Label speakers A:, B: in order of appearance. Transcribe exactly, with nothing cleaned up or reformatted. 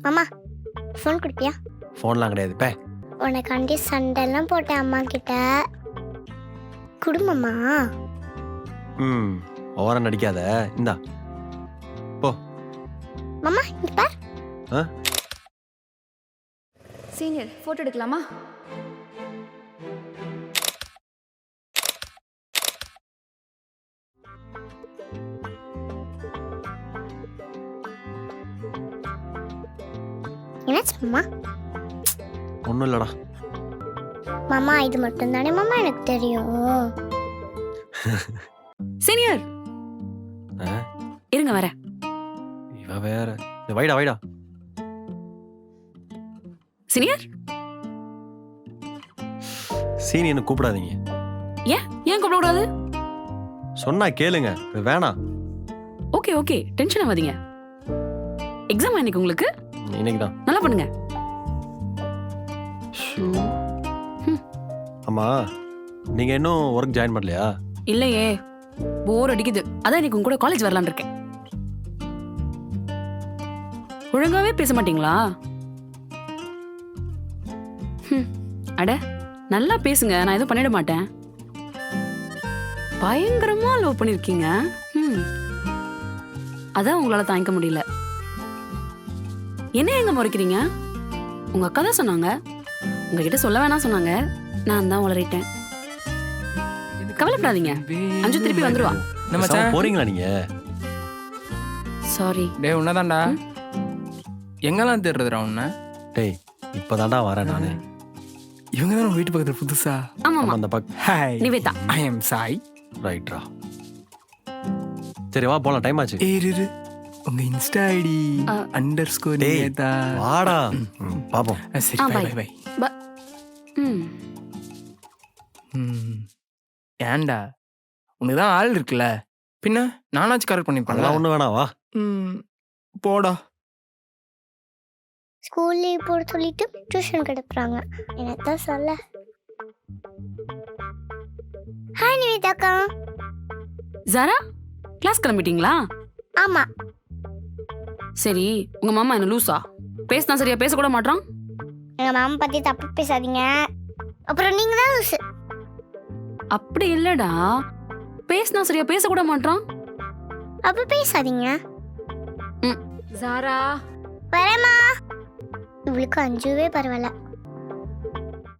A: மாமா ஃபோன் கொடுப்பியா?
B: ஃபோன்லாம் கிடையாது பே.
A: உனக்காண்டி சண்டைலாம் போட்டேன் அம்மா கிட்ட. குடும்பமா?
B: ம் ஓரம் நடிக்காத. இந்தா போ.
A: மாமா இங்க பார்.
B: ஆ
C: சீனியர் ஃபோட்டோ எடுக்கலாமா?
A: என்னாச்சு மாமா?
B: ஒன்றும் இல்லைடா.
A: மாமா இது மட்டும் தானே மாமா எனக்கு தெரியும்.
C: சீனியர்
B: ஆ
C: இருங்க வர.
B: இவ வேற. இது வைடா வைடா.
C: சீனியர்
B: சீனியர்னு கூப்பிடாதீங்க.
C: ஏன் ஏன் கூப்பிடக்கூடாது?
B: சொன்னா கேளுங்க. இது வேணாம்.
C: ஓகே ஓகே டென்ஷன் ஆகாதீங்க. எக்ஸாம் இன்னைக்கு உங்களுக்கு?
B: இன்னைக்கு தான்.
C: நல்லா பண்ணுங்க.
B: ஆமா நீங்க இன்னும் ஒர்க் ஜாயின் பண்ணலையா?
C: இல்லையே, போர் அடிக்குது. அதான் இன்னைக்கு உங்க கூட காலேஜ் வரலான்னு இருக்கேன். ஒழுங்காவே பேச மாட்டீங்களா? ஹம், அட நல்லா பேசுங்க, நான் எதுவும் பண்ணிட மாட்டேன். பயங்கரமா லவ் பண்ணிருக்கீங்க. ஹம், அதான் உங்களால தாங்கிக்க முடியல. என்ன எங்க முறைக்கிறீங்க? உங்க அக்கா தான் சொன்னாங்க. உங்ககிட்ட சொல்ல வேணாம் சொன்னாங்க, நான் தான் உளறிட்டேன். கவலைப்படாதீங்க, அஞ்சு திருப்பி வந்துருவா.
D: நம்ம
B: பேசாம போறீங்களா நீங்க?
C: சாரி.
D: டேய் உன்னதான்டா. எங்கெல்லாம் தேடுறதுடா உன்ன?
B: டேய் இப்பதான்டா வரேன் நானு.
D: இவங்க தான் வீட்டு பக்கத்துல புதுசா.
C: ஆமாமா,
B: அந்த பக்
D: hi
C: Nivetha.
D: I am Sai.
B: ரைட்ரா. சரி வா போலாம், டைம் ஆச்சு.
D: ஏய் இரு உங்க இன்ஸ்டா ஐடி
C: ஆ.
D: அண்டர்ஸ்கோர்
B: டேய்
D: நிவேதா.
B: வாடா. ம், பாப்போம்.
D: ஆ, சரி
C: ஆ,
D: பை
C: bye.
D: Bye bye.
C: ப- ம்.
D: ம் ஏன்டா உனக்கு தான் ஆள் இருக்குல்ல, பின்ன நானாச்சும் கரெக்ட் பண்ணிப்பேன்ல.
B: அதெல்லாம் ஒண்ணு வேணாம் வா.
D: ம் போடா.
A: ஸ்கூல் லீவ் போட சொல்லிட்டு டியூஷன் கிடப்புறாங்க. என்னத்தான் சொல்ல. ஹாய் நிவேதாக்கா.
C: ஜாரா, கிளாஸ் கிளம்பிட்டீங்களா?
A: ஆமா
C: சரி, உங்க மாமா என்ன லூசா? பேசினா சரியா பேச கூட மாட்டான்.
A: எங்க மாமா பத்தி தப்பு பேசாதீங்க, அப்புறம் நீங்க தான் லூசு.
C: அப்படி இல்லடா, பேசினா சரியா பேச கூட மாட்டான்.
A: அப்ப பேசாதீங்க.
C: ஜாரா
A: வரேம்மா. இவளுக்கு அஞ்சுவே பரவாயில்ல.